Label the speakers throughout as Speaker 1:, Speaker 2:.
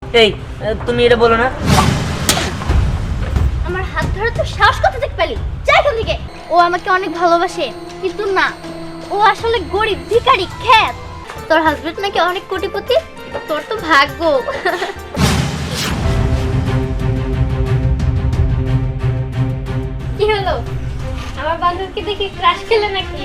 Speaker 1: এই তুমি এটা বলো না।
Speaker 2: আমার হাত ধরে তো সাহস কোথা থেকে পেলি? যা এখান থেকে। ও আমাকে অনেক ভালোবাসে, কিন্তু না, ও আসলে গরিব ভিখারি খ্যাত। তোর হাজবেন্ড নাকি অনেক কোটিপতি, তোর তো ভাগ্য। কি হলো, আমার বান্ধবীকে দেখে ক্রাশ খেলে নাকি?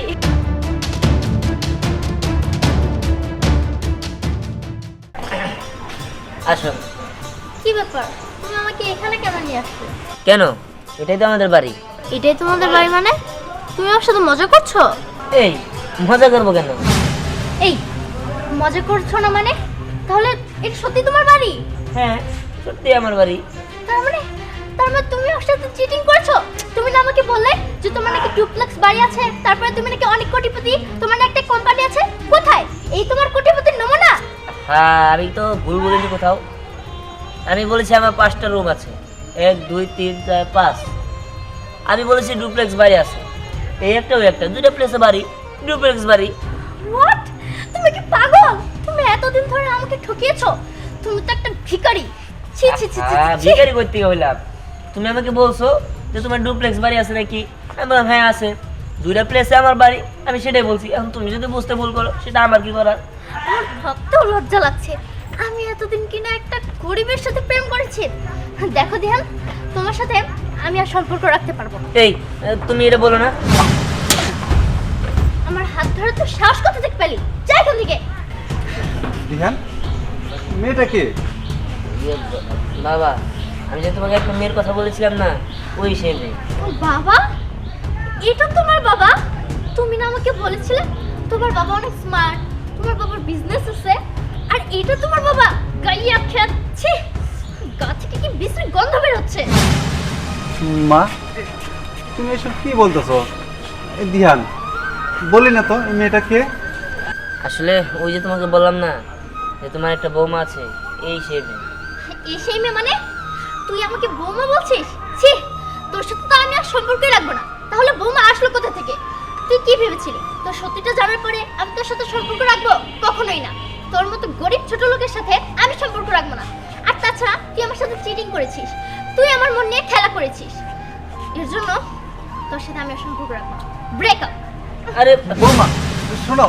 Speaker 1: আসো।
Speaker 2: কি ব্যাপার, তুমি আমাকে এখানে কেন নিয়ে আসছো?
Speaker 1: কেন? এটাই তো আমাদের বাড়ি।
Speaker 2: এটাই তোমাদের বাড়ি মানে? তুমি আমার সাথে মজা করছো?
Speaker 1: এই মজা করবো কেন?
Speaker 2: এই মজা করছো না মানে? তাহলে এটা সত্যি তোমার বাড়ি?
Speaker 1: হ্যাঁ সত্যি আমার বাড়ি।
Speaker 2: তার মানে তুমি ওর সাথে চিটিং করেছো? তুমি না আমাকে বললে যে তোমার নাকি ডুপ্লেক্স বাড়ি আছে, তারপরে তুমি নাকি অনেক কোটিপতি, তোমার না একটা কোম্পানি আছে? কোথায় এই তোমার কোটিপতির নমুনা?
Speaker 1: হ্যাঁ আমি তো ভুল বলিনি কোথাও। আমি বলেছি আমার 5টা রুম আছে, 1 2 3 4 5। আমি বলেছি ডুপ্লেক্স বাড়ি আছে, এই একটা ওই একটা, 2টা প্লেসে বাড়ি, ডুপ্লেক্স বাড়ি।
Speaker 2: হোয়াট? তুমি কি পাগল? তুমি এতদিন ধরে আমাকে ঠকিয়েছো। তুমি তো একটা ভিখারি। ছি ছি ছি ছি ছি।
Speaker 1: ভিখারি করতে হইলাম? তুমি আমাকে বলছো যে তোমার ডুপ্লেক্স বাড়ি আছে নাকি, আমি বললাম হ্যাঁ আছে। 2টা প্লেসে আমার বাড়ি, আমি সেটাই বলছি। এখন তুমি যদি বুঝতে ভুল করো সেটা আমার কি করার?
Speaker 2: আমার ভাবতেও লজ্জা লাগছে, আমি এতদিন কিনা একটা গরিবের সাথে প্রেম করেছি। দেখো দিহান, তোমার সাথে আমি আর সম্পর্ক রাখতে পারবো না।
Speaker 1: এই তুমি এটা বলো না।
Speaker 2: আমার হাত ধরে তো সাহস কোথা থেকে পেলি? যা এখান থেকে।
Speaker 3: দিহান, মেয়েটা কে?
Speaker 1: বাবা, আমি যে তোমাকে একটা মেয়ের কথা বলেছিলাম না, ওই সেই মেয়ে।
Speaker 2: ও বাবা, এটা তোমার বাবা? তুমি না আমাকে বলেছিলে তোমার বাবা অনেক স্মার্ট, তোমার বাবার বিজনেস আছে, আর এটা তোমার বাবা? গাইয়া খেয়াচ্ছে, গা থেকে কি বিশ্রী গন্ধ বের হচ্ছে।
Speaker 3: মা, তুমি এসব কি বলতেছো? দিহান, বলি না তো এই মেয়েটা কে?
Speaker 1: আসলে ওই যে তোমাকে বললাম না যে তোমার একটা বৌমা আছে, এই সেই মেয়ে।
Speaker 2: এই সেই মেয়ে মানে? তুই আমাকে বৌমা বলছিস? ছি, তোর সাথে তো আমি আর সম্পর্কই রাখবো না। তাহলে বৌমা আসলো কোথা থেকে? তুই কি ভেবেছিলি তোর সত্যিটা জানার পরে আমি তোর সাথে সম্পর্ক রাখবো? কখনোই না। তোর মতো গরিব ছোট লোকের সাথে আমি সম্পর্ক রাখবো না। আর তাছাড়া তুই আমার সাথে চিটিং করেছিস, তুই আমার মন নিয়ে খেলা করেছিস, এর জন্য তোর সাথে আমি আর সম্পর্ক রাখবো না। ব্রেকআপ।
Speaker 1: আরে
Speaker 3: বৌমা, শোনো।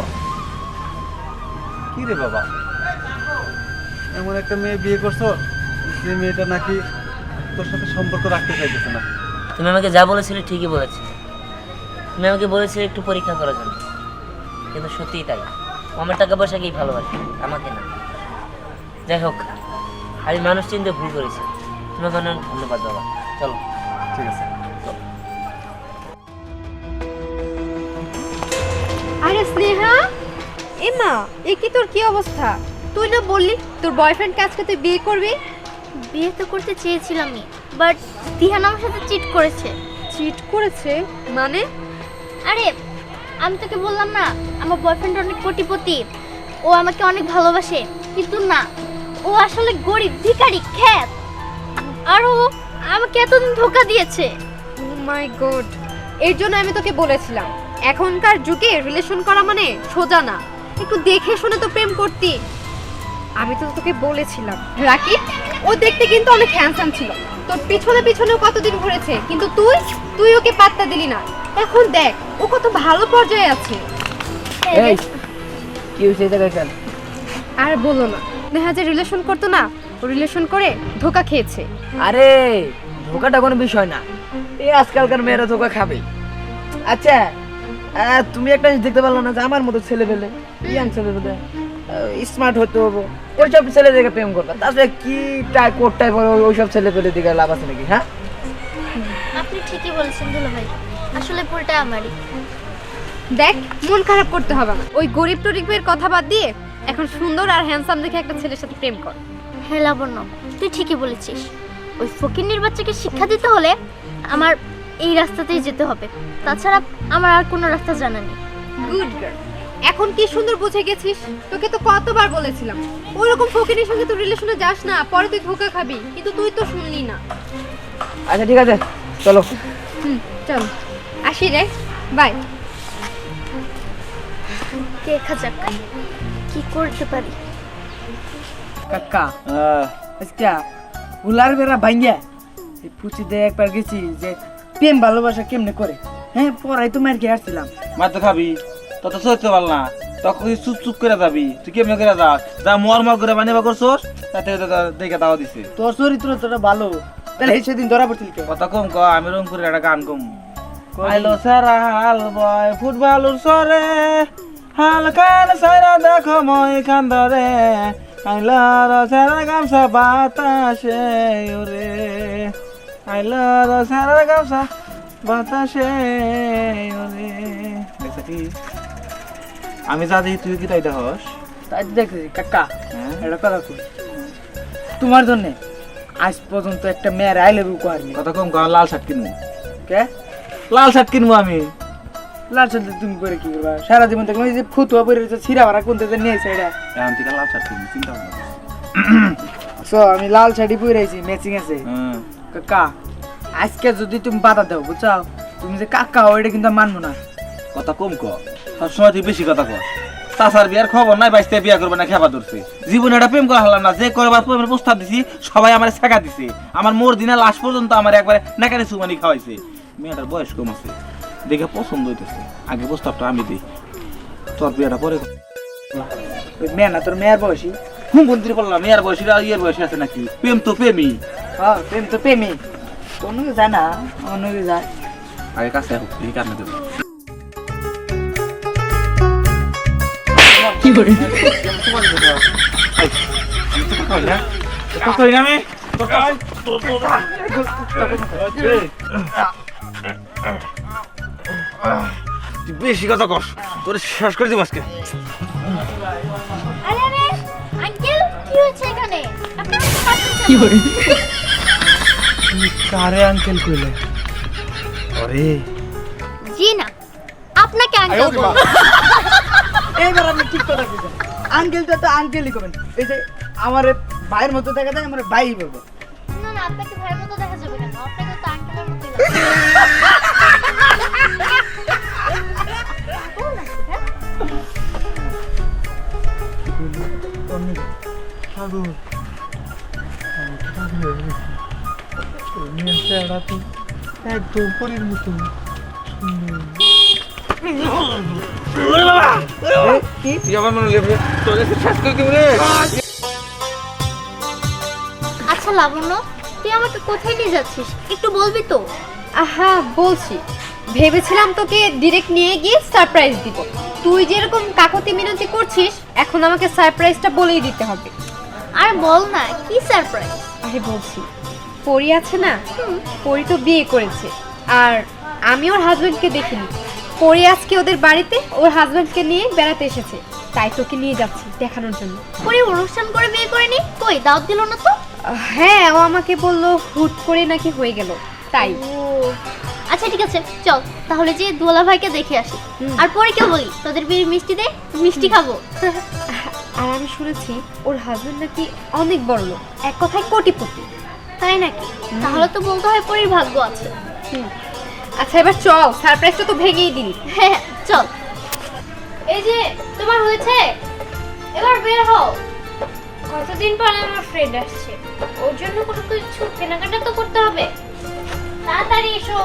Speaker 3: কি রে বাবা, এমন একটা মেয়ে বিয়ে করছো যে মেয়েটা নাকি তোর সাথে সম্পর্ক রাখতে চাইতেছে না।
Speaker 1: তুমি আমাকে যা বলেছিলে ঠিকই বলেছিলে। তুমি আমাকে বলেছিলে একটু পরীক্ষা করার জন্য, কিন্তু সত্যিই তাই। ও আমার টাকা পয়সাকেই ভালোবাসে, আমাকে না। যাই হোক, আমি মানুষ চিনতে ভুল করেছি। তোমাকে অনেক ধন্যবাদ বাবা। চলো।
Speaker 3: ঠিক আছে।
Speaker 4: আরে স্নেহা, এমা, এ কি তোর কি অবস্থা? তুই না বললি তোর বয়ফ্রেন্ডকে আজকে তুই বিয়ে করবি?
Speaker 2: বিয়ে তো করতে চেয়েছিলামই, বাট দিহান আমার সাথে চিট করেছে।
Speaker 4: চিট করেছে মানে?
Speaker 2: আরে আমি তোকে বললাম না আমার বয়ফ্রেন্ড অনেক কোটিপতি, ও আমাকে অনেক ভালোবাসে, কিন্তু না, ও আসলে গরিব ভিখারি খ্যাত। আর ও আমাকে এতদিন ধোকা দিয়েছে।
Speaker 4: ও মাই গড, এর জন্য আমি তোকে বলেছিলাম এখনকার যুগে রিলেশন করা মানে সোজা না, একটু দেখে শুনে তো প্রেম করতি। আমি তো তোকে বলেছিলাম। রাকিব, ও দেখতে কিন্তু অনেক হ্যান্ডসাম ছিল, তোর পিছনে পিছনেও কতদিন ঘুরেছে, কিন্তু তুই ওকে পাত্তা দিলি না। এখন দেখ ও কত ভালো পর্যায়ে আছে।
Speaker 1: এই কি হয়েছে এটা কেন?
Speaker 4: আর বলো না, দেখা যায় রিলেশন করতো না, ও রিলেশন করে ধোকা খেয়েছে।
Speaker 5: আরে ধোকাটা কোনো বিষয় না, এই আজকালকার মেয়েরা ধোকা খাবে। আচ্ছা তুমি একটা জিনিস দেখতে পারলো না যে আমার মতো ছেলে পেলে, ইয়াং ছেলে পেলে স্মার্ট হতে হবে, ওইসব ছেলে দেখে প্রেম করবে? তাছাড়া কি কোট টাইপ ওইসব ছেলে পেলে দিকে লাভ আছে নাকি? হ্যাঁ,
Speaker 2: আপনি ঠিকই বলেছেন দুলা ভাই, আসলে ভুলটা আমারই।
Speaker 4: দেখ, মন খারাপ করতে হবে না, ওই গরিব টরিবের কথা বাদ দিয়ে এখন সুন্দর আর হ্যান্ডসাম দেখে একটা ছেলের সাথে প্রেম কর।
Speaker 2: হ্যাঁ লাবণ্য, তুই ঠিকই বলেছিস। ওই ফকিন্নির বাচ্চাকে শিক্ষা দিতে হলে আমার এই রাস্তাতেই যেতে হবে, তাছাড়া আমার আর কোনো রাস্তা জানা নেই।
Speaker 4: গুড গার্ল, এখন কি সুন্দর বুঝে গেছিস। তোকে তো কতবার বলেছিলাম ওইরকম ফকিরের সঙ্গে তুই রিলেশনে যাস না, পরে তুই ধোকা খাবি, কিন্তু তুই তো শুনলি না।
Speaker 5: আচ্ছা ঠিক আছে, চলো।
Speaker 4: চল আসি রে, বাই।
Speaker 2: দেখা যাক কি করতে পারি।
Speaker 5: কাকা, আজকে হুলার বেড়া ভাঙ্গিয়া এই পুচিতে একবার গেছি যে প্রেম ভালোবাসা কেমনে করে। হ্যাঁ পড়াই তো মার খেয়ে আসছিলাম।
Speaker 6: মার তো খাবি তত সইতে পারল না, তখন চুপ চুপ করে যাবি। তুই কেমনে করে যাস, যা মর মর করে বানিয়ে করছোস, তাতে দেখে দাওয়া দিছে।
Speaker 5: তোর চরিত্র তোরা ভালো, তাহলে সেদিন ধরা পড়ছিল কে?
Speaker 6: কথা কম ক, আমি রংপুরের একটা গান কম। আইলো সারা হাল বয় ফুটবলের সরে, হাল কান সারা দেখো মই খান ধরে, আইলো সারা গামছা বাতাসে ওরে, আইলো সারা গামছা বাতাসে ওরে। দেখছ কি আমি যা দেখি তুই কি তাই দেখস?
Speaker 5: তাই দেখতেছি কাকা
Speaker 6: হ্যাঁ?
Speaker 5: একটা কথা কই, তোমার জন্য আজ পর্যন্ত একটা মেয়ের আই লাভ ইউ করেনি।
Speaker 6: কথা কম ক, লাল শার্ট কিনবো।
Speaker 5: কে?
Speaker 6: লাল শার্ট কিনবো আমি।
Speaker 5: লাল সাথে তুমি করে কি করবা? সারা জীবন দেখলাম এই যে ফুতুয়া পরে রয়েছে, ছিঁড়া ভাড়া কোনতে নিয়ে সাইডা।
Speaker 6: এখন থেকে লাল শার্ট কিনবো, চিন্তা ভাবনা কর।
Speaker 5: সো আমি লাল শাড়ি পরে আইছি, ম্যাচিং আছে।
Speaker 6: হ্যাঁ।
Speaker 5: কাকা আজকে যদি তুমি বাধা দাও বুঝছাও, তুমি যে কাকা ওইটা কিন্তু আমি মানবো না।
Speaker 6: কথা কম ক, সবসময় তুই বেশি কথা কর। চাচার বিয়ার খবর নাই, বাইশটা বিয়া করবে না খেপা ধরছে। জীবনে একটা প্রেম করা হলাম না, যে করবার প্রেমের প্রস্তাব দিছি সবাই আমার শেখা দিছে। আমার মোর দিনে লাশ পর্যন্ত আমার একবারে নাকারে সুমানি খাওয়াইছে। মেয়েটার বয়স কম আছে, দেখে পছন্দ হইতেছে, আগে প্রস্তাবটা আমি দিই, তোর বিয়াটা পরে কর।
Speaker 5: ওই মেয়ে না তোর মেয়ের বয়সী?
Speaker 6: হুম বন্ধুরে বললাম মেয়ের বয়সী আর ইয়ের বয়সী আছে নাকি? প্রেম তো প্রেমই।
Speaker 5: হ্যাঁ প্রেম তো প্রেমই, কোনো যায় না অন্য যায়।
Speaker 6: আগে কাছে হোক, এই কারণে দেবো।
Speaker 5: কি করে?
Speaker 6: বেশি কথা কর, তোর শেষ করে দিব আজকে।
Speaker 2: আরে আরে আঙ্কেল কি হয়েছে এখানে? আপনি আমাকে পাঠাচ্ছেন?
Speaker 5: কি করে?
Speaker 6: কারে আঙ্কেল কইলে? আরে
Speaker 2: জি না, আপনাকে আঙ্কেল বলবো।
Speaker 5: এইবার আপনি ঠিক কথা বলছেন, আঙ্কেলটা তো আঙ্কেলই করবেন। এই যে আমার ভাইয়ের মতো দেখা যায়, আমার ভাই বলবো।
Speaker 2: না না, আপনাকে ভাইয়ের মতো দেখা যাবে কেন? আপনাকে তো আঙ্কেলের মতোই
Speaker 3: একদম পরীর মতো।
Speaker 6: তুই আমার মনে লেবে তোর শেষ করে দিব রে।
Speaker 2: আচ্ছা লাবণ্য, তুই আমাকে কোথায় নিয়ে যাচ্ছিস একটু বলবি তো?
Speaker 4: আহা বলছি, ভেবেছিলাম তোকে ডিরেক্ট নিয়ে গিয়ে সারপ্রাইজ দিব। তুই যেরকম কাকতি মিনতি করছিস, এখন আমাকে সারপ্রাইজটা বলেই দিতে হবে।
Speaker 2: আর বল না, কি সারপ্রাইজ?
Speaker 4: আরে বলছি, পরি আছে না, পরি তো বিয়ে করেছে, আর আমি ওর হাজবেন্ডকে দেখিনি। পরি আজকে ওদের বাড়িতে ওর হাজবেন্ডকে নিয়ে বেড়াতে এসেছে, তাই তোকে নিয়ে যাচ্ছি দেখানোর জন্য।
Speaker 2: পরে অনুষ্ঠান করে বিয়ে করেনি, কই দাওয়াত দিল না তো?
Speaker 4: হ্যাঁ, ও আমাকে বললো হুট করে নাকি হয়ে গেল, তাই।
Speaker 2: ও আচ্ছা ঠিক আছে, চল তাহলে যে দোলা ভাইকে দেখে আসি। আর পরে কেউ বলি তোদের বিয়ের মিষ্টি দে, মিষ্টি খাবো।
Speaker 4: আর আমি শুনেছি ওর হাজবেন্ড নাকি অনেক বড় লোক, এক কথায় কোটিপতি।
Speaker 2: তাই নাকি? তাহলে তো বলতে হয় পরির ভাগ্য আছে।
Speaker 4: আচ্ছা এবার চল, সারপ্রাইজটা তো ভেঙেই দিলি।
Speaker 2: হ্যাঁ চল। এই যে তোমার হয়েছে, এবার বের হও। কতদিন পরে আমার ফ্রেন্ড আসছে, ওর জন্য কোনো কিছু কেনাকাটা তো করতে হবে। তাড়াতাড়ি এসো।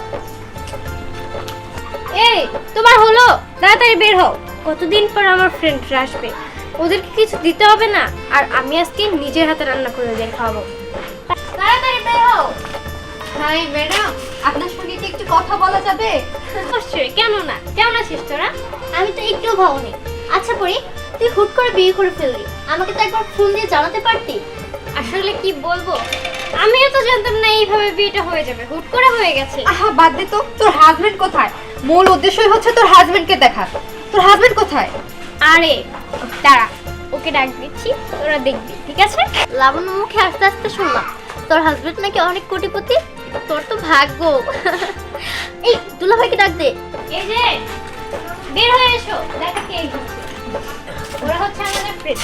Speaker 2: এই তোমার হলো, তাড়াতাড়ি বের হও। কতদিন পর আমার ফ্রেন্ডরা আসবে, ওদেরকে কিছু দিতে হবে না? আর আমি আজকে নিজের হাতে রান্না করে ওদের খাওয়াবো। তাড়াতাড়ি বের হও।
Speaker 4: হাই ম্যাডাম, আপনার সঙ্গে কি একটু কথা বলা যাবে?
Speaker 2: অবশ্যই, কেন না? কেমন আছিস তোরা? আমি তো একটু ভাবনি। আচ্ছা পরি, তুই হুট করে বিয়ে করে ফেললি, আমাকে তো একবার ফোন দিয়ে জানাতে পারতি।
Speaker 7: আসলে কি বলবো, আমিও তো জানতাম না এইভাবে বিয়েটা হয়ে যাবে, হুট করে হয়ে গেছে।
Speaker 4: আহা বাদ দে তো, তোর হাজবেন্ড কোথায়? মূল উদ্দেশ্যই হচ্ছে তোর হাজবেন্ডকে দেখা। তোর হাজবেন্ড কোথায়?
Speaker 7: আরে দাঁড়া, ওকে ডাক দিচ্ছি, তোরা দেখবি, ঠিক আছে?
Speaker 2: লাবণ্য মুখে আস্তে আস্তে শুনলাম তোর হাজবেন্ড নাকি অনেক কোটিপতি। তোর তো ভাগ্য। এই দুলা ভাইকে ডাক দে।
Speaker 7: এই যে বের হয়ে এসো, দেখা কে এসেছে। ওরা হচ্ছে আমাদের ফ্রেন্ড।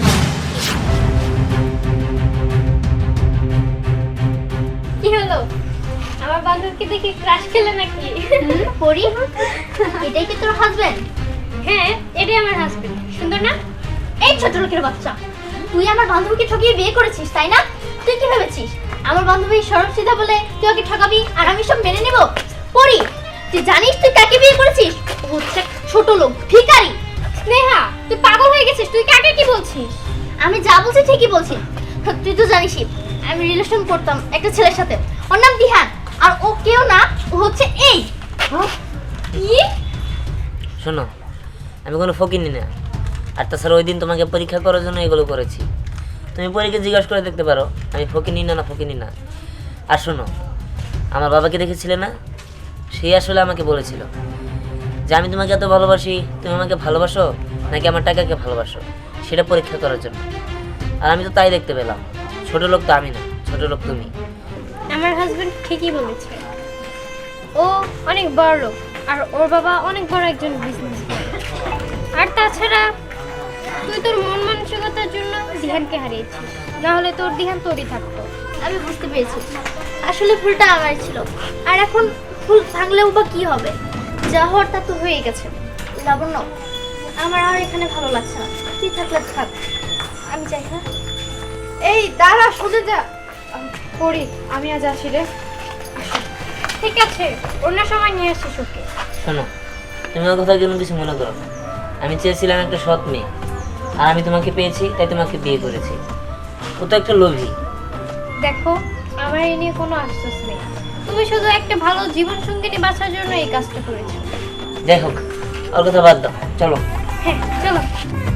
Speaker 7: কি হলো, আমার বান্ধবীকে দেখে ক্রাশ খেলে নাকি?
Speaker 2: পরি, এটাই কি তোর হাজবেন্ড?
Speaker 7: হ্যাঁ, এটাই আমার হাজবেন্ড। সুন্দর না?
Speaker 2: এই ছোট লোকের বাচ্চা, তুই আমার বান্ধবীকে ঠকিয়ে বিয়ে করেছিস তাই না? তুই কি ভেবেছিস আমার বান্ধবী সরল সিধা বলে তুই ওকে ঠকাবি আর আমি সব মেনে নেব? পরি, তুই জানিস তুই কাকে বিয়ে করেছিস? ও হচ্ছে ছোট লোক, ভিখারি।
Speaker 7: স্নেহা, তুই পাগল হয়ে গেছিস, তুই কাকে কি বলছিস?
Speaker 2: আমি যা বলছি ঠিকই বলছি। তুই তো জানিসই আমি রিলেশন করতাম একটা ছেলের সাথে, ওর নাম দিহান। আর ও কেউ না, ও হচ্ছে এই।
Speaker 7: কি?
Speaker 1: শোনো, আমি কোনো ফকিনি না। আর তাছাড়া ওই দিন তোমাকে পরীক্ষা করার জন্য এগুলো করেছি। তুমি পরীকে জিজ্ঞাসা করে দেখতে পারো আমি ফকিনি না ফকিনি না। আর শোনো, আমার বাবাকে দেখেছিলে না? সে আসলে আমাকে বলেছিল যে আমি তোমাকে এত ভালোবাসি, তুমি আমাকে ভালোবাসো নাকি আমার টাকাকে ভালোবাসো, সেটা পরীক্ষা করার জন্য। আর আমি তো তাই দেখতে পেলাম। ছোট লোক তো আমি না, ছোট লোক তুমি।
Speaker 7: আমার হাজবেন্ড ঠিকই বলেছে, ও অনেক বড় লোক আর ওর বাবা অনেক বড় একজন বিজনেসম্যান। আর তাছাড়া তুই তোর মন মানসিকতার জন্য দিহানকে হারিয়েছিস, না হলে তোর দিহান তোরই থাকতো।
Speaker 2: আমি বুঝতে পেরেছি আসলে ভুলটা আমার ছিল। আর এখন ভুল ভাঙলেও বা কি হবে, যা হওয়ার তা তো হয়ে গেছে। লাবণ্য, আমার আর এখানে ভালো লাগছে না, তুই থাকলে থাক, আমি যাই। হ্যাঁ,
Speaker 4: এই দাঁড়া, শুনে যা। পড়ি, আমি আজ আসি রে।
Speaker 7: ঠিক আছে, অন্য সময় নিয়ে আসিস ওকে।
Speaker 1: শোনো, তুমি আমার কথা কোনো কিছু মনে করো না। আমি চেয়েছিলাম একটা সৎ মেয়ে, আর আমি তোমাকে পেয়েছি, তাই তোমাকে বিয়ে করেছি। ও তো একটা লোভী।
Speaker 7: দেখো, আমার এই নিয়ে কোনো আফসোস নেই, তুমি শুধু একটা ভালো জীবন সঙ্গিনী বাঁচার জন্য এই কাজটা করেছো।
Speaker 1: যাই হোক, ওর কথা বাদ দাও, চলো।
Speaker 7: হ্যাঁ চলো।